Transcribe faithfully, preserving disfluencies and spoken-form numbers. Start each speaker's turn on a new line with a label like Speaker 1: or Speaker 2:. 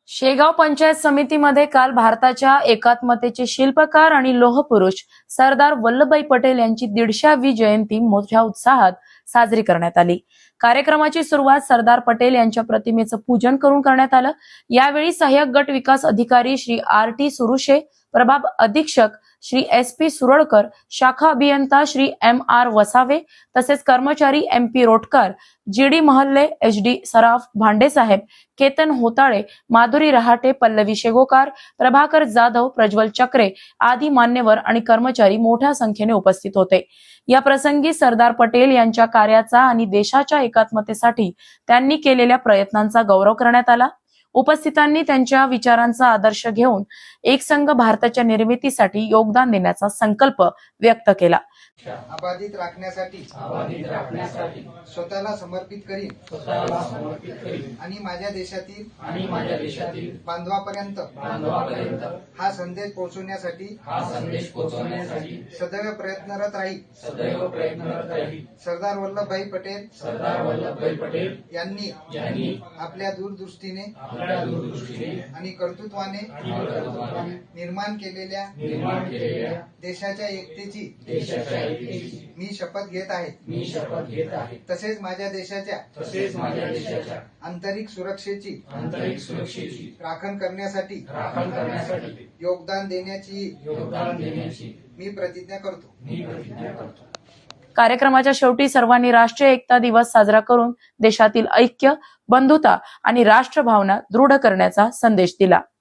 Speaker 1: शेगाव पंचायत समितीमध्ये काल भारताच्या एकात्मतेचे शिल्पकार आणि लोहपुरुष सरदार वल्लभभाई पटेल यांची दीडशेवी जयंती मोठ्या उत्साहात साजरी करण्यात आली। कार्यक्रमाची सुरुवात सरदार पटेल यांच्या प्रतिमेचं पूजन करून करण्यात आलं। यावेळी सहाय्यक गट विकास अधिकारी श्री आर टी सुरुशे, प्रभाग अधीक्षक श्री एस पी सुरळकर, शाखा अभियंता श्री एम आर वसावे तसेच कर्मचारी M P Rotkar, G D Mahalle, H D Saraf, भांडेसाहेब, केतन होताळे, माधुरी रहाटे, पल्लवी शेगोकार, प्रभाकर जाधव, प्रज्वल चक्रे आदी मान्यवर आणि कर्मचारी मोठ्या संख्येने उपस्थित होते। या प्रसंगी सरदार पटेल यांच्या कार्याचा आणि देशाच्या एकात्मतेसाठी त्यांनी केलेल्या प्रयत्नांचा गौरव करण्यात आला। उपस्थितांनी त्यांच्या विचारांचा आदर्श घेऊन एकसंघ भारताच्या निर्मितीसाठी योगदान देण्याचा संकल्प व्यक्त केला।
Speaker 2: अबाधित राखण्यासाठी
Speaker 3: अबाधित राखण्यासाठी
Speaker 2: स्वतःला समर्पित करीन
Speaker 3: स्वतःला समर्पित करीन
Speaker 2: आणि माझ्या देशातील
Speaker 3: आणि माझ्या देशातील
Speaker 2: बांधवापर्यंत
Speaker 3: बांधवापर्यंत
Speaker 2: हा संदेश पोहोचवण्यासाठी
Speaker 3: हा संदेश पोहोचवण्यासाठी
Speaker 2: सदैव प्रयत्नरत राहील।
Speaker 3: सदैव प्रयत्नरत राहील।
Speaker 2: सरदार वल्लभभाई पटेल
Speaker 3: सरदार वल्लभभाई पटेल
Speaker 2: यांनी
Speaker 3: यांनी
Speaker 2: आपल्या दूरदृष्टीने
Speaker 3: आपल्या दूरदृष्टीने
Speaker 2: आणि कर्तृत्वाने
Speaker 3: आणि कर्तृत्वाने
Speaker 2: निर्माण केलेल्या
Speaker 3: निर्माण केलेल्या
Speaker 2: देशाच्या एकतेची
Speaker 3: देशाच्या एकतेची
Speaker 2: मी शपथ घेत आहे।
Speaker 3: मी शपथ घेत आहे।
Speaker 2: तसेच माझ्या देशाच्या
Speaker 3: तसेच माझ्या देशाच्या
Speaker 2: आंतरिक सुरक्षेची
Speaker 3: आंतरिक सुरक्षेची
Speaker 2: राखण करण्यासाठी
Speaker 3: राखण करण्यासाठी
Speaker 2: योगदान देण्याची
Speaker 3: योगदान देण्याची
Speaker 2: मी प्रतिज्ञा करतो।
Speaker 3: मी प्रतिज्ञा करतो।
Speaker 1: कार्यक्रमाच्या शेवटी सर्वांनी राष्ट्रीय एकता दिवस साजरा करून देशातील ऐक्य, बंधुता आणि राष्ट्रभावना दृढ करण्याचा संदेश दिला।